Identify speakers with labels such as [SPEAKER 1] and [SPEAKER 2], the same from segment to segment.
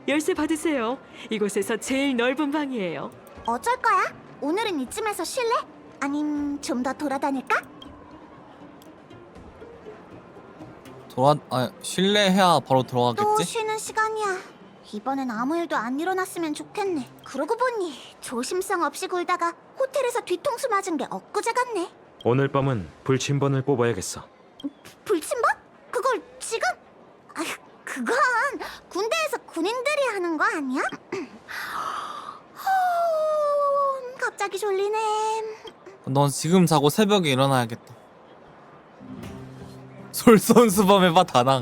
[SPEAKER 1] 열쇠 받으세요. 이곳에서 제일 넓은 방이에요.
[SPEAKER 2] 어쩔 거야? 오늘은 이쯤에서 쉴래? 아님 좀 더 돌아다닐까?
[SPEAKER 3] 실례해야 바로
[SPEAKER 2] 또
[SPEAKER 3] 들어가겠지?
[SPEAKER 2] 쉬는 시간이야. 이번엔 아무 일도 안 일어났으면 좋겠네. 그러고 보니 조심성 없이 굴다가 호텔에서 뒤통수 맞은 게 엊그제 같네.
[SPEAKER 4] 오늘 밤은 불침번을 뽑아야겠어.
[SPEAKER 2] 불침번? 그걸 지금? 아휴, 그건 군대에서 군인들이 하는 거 아니야? 갑자기 졸리네.
[SPEAKER 3] 넌 지금 자고 새벽에 일어나야겠다. 솔선수범해봐 다낭.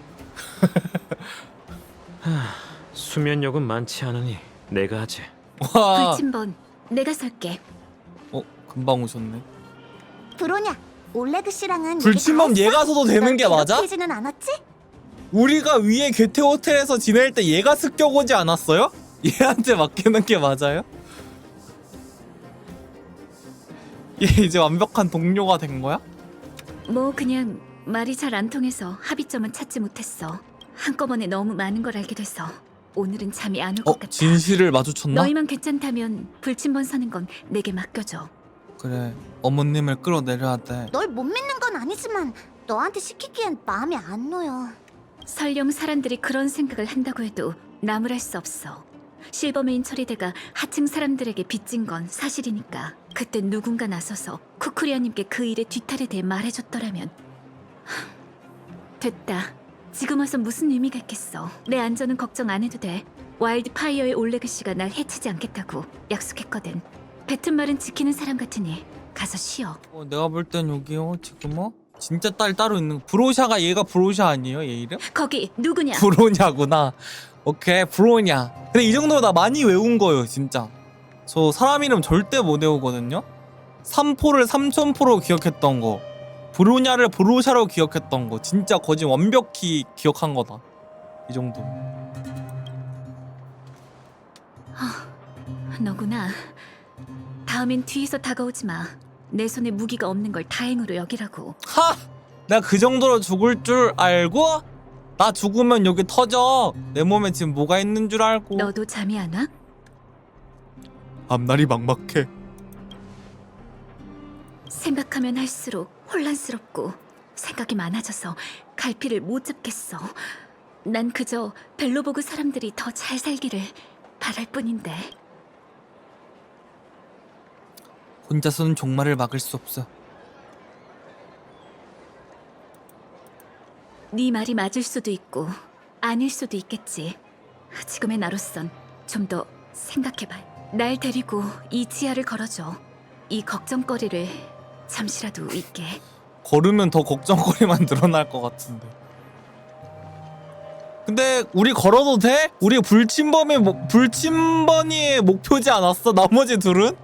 [SPEAKER 4] 수면력은 많지 않으니 내가 하지.
[SPEAKER 3] 와.
[SPEAKER 5] 불침번 내가 설게.
[SPEAKER 3] 금방 오셨네.
[SPEAKER 2] 브로냐, 올레그 씨랑은
[SPEAKER 3] 불침범 얘가 서도 되는 게 맞아?
[SPEAKER 2] 괴롭히지는 않았지?
[SPEAKER 3] 우리가 위에 괴테 호텔에서 지낼 때 얘가 습격 오지 않았어요? 얘한테 맡기는 게 맞아요? 얘 이제 완벽한 동료가 된 거야?
[SPEAKER 5] 뭐 그냥 말이 잘 안 통해서 합의점은 찾지 못했어. 한꺼번에 너무 많은 걸 알게 돼서 오늘은 잠이 안 올 것 같아.
[SPEAKER 3] 진실을 마주쳤나?
[SPEAKER 5] 너희만 괜찮다면 불침번 서는 건 내게 맡겨줘.
[SPEAKER 3] 그래, 어머님을 끌어내려야 돼.
[SPEAKER 2] 널 못 믿는 건 아니지만 너한테 시키기엔 마음이 안 놓여.
[SPEAKER 5] 설령 사람들이 그런 생각을 한다고 해도 나무랄 수 없어. 실버메인 처리대가 하층 사람들에게 빚진 건 사실이니까 그때 누군가 나서서 쿠쿠리아님께 그 일의 뒤탈에 대해 말해줬더라면. 됐다. 지금 와서 무슨 의미가 있겠어. 내 안전은 걱정 안 해도 돼. 와일드파이어의 올레그 씨가 날 해치지 않겠다고 약속했거든. 뱉은 말은 지키는 사람 같으니 가서 쉬어.
[SPEAKER 3] 내가 볼 땐 여기요 지금 진짜 딸 따로 있는 거. 브로샤가 얘가 브로샤 아니에요? 얘 이름?
[SPEAKER 5] 거기 누구냐?
[SPEAKER 3] 브로냐구나. 오케이 브로냐. 근데 이 정도면 나 많이 외운 거예요 진짜. 저 사람 이름 절대 못 외우거든요. 삼포를 삼천포로 기억했던 거, 브로냐를 브로샤로 기억했던 거 진짜 거진 완벽히 기억한 거다. 이 정도.
[SPEAKER 5] 너구나. 다음엔 뒤에서 다가오지 마. 내 손에 무기가 없는 걸 다행으로 여기라고.
[SPEAKER 3] 하! 내가 그 정도로 죽을 줄 알고? 나 죽으면 여기 터져. 내 몸에 지금 뭐가 있는 줄 알고.
[SPEAKER 5] 너도 잠이 안 와?
[SPEAKER 3] 앞날이 막막해.
[SPEAKER 5] 생각하면 할수록 혼란스럽고 생각이 많아져서 갈피를 못 잡겠어. 난 그저 벨로보그 사람들이 더 잘 살기를 바랄 뿐인데.
[SPEAKER 3] 혼자서는 종말을 막을 수 없어.
[SPEAKER 5] 네 말이 맞을 수도 있고 아닐 수도 있겠지. 지금의 나로선 좀 더 생각해봐. 날 데리고 이 지하를 걸어줘. 이 걱정거리를 잠시라도 잊게.
[SPEAKER 3] 걸으면 더 걱정거리만 늘어날 것 같은데. 근데 우리 걸어도 돼? 우리 불침번이의 목표지 않았어? 나머지 둘은?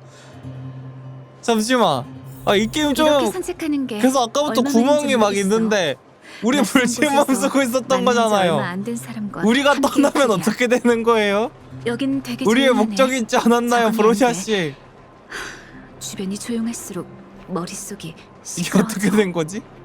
[SPEAKER 3] 잠시만. 이 게임 좀
[SPEAKER 5] 이렇게 산책하는 게
[SPEAKER 3] 그래서 아까부터
[SPEAKER 5] 얼마나
[SPEAKER 3] 구멍이 막
[SPEAKER 5] 모르겠어.
[SPEAKER 3] 있는데 우리
[SPEAKER 5] 낯선
[SPEAKER 3] 불침번
[SPEAKER 5] 곳에서
[SPEAKER 3] 쓰고 있었던
[SPEAKER 5] 만난 지 얼마
[SPEAKER 3] 거잖아요.
[SPEAKER 5] 안 된 사람과
[SPEAKER 3] 우리가
[SPEAKER 5] 함께
[SPEAKER 3] 떠나면
[SPEAKER 5] 있으랴.
[SPEAKER 3] 어떻게 되는 거예요?
[SPEAKER 5] 여긴 되게
[SPEAKER 3] 우리의
[SPEAKER 5] 조용하네.
[SPEAKER 3] 목적이 있지 않았나요,
[SPEAKER 5] 작업이
[SPEAKER 3] 브로샤
[SPEAKER 5] 안 돼.
[SPEAKER 3] 씨?
[SPEAKER 5] 주변이 조용할수록 머릿속이
[SPEAKER 3] 이게
[SPEAKER 5] 시끄러워져.
[SPEAKER 3] 어떻게 된 거지?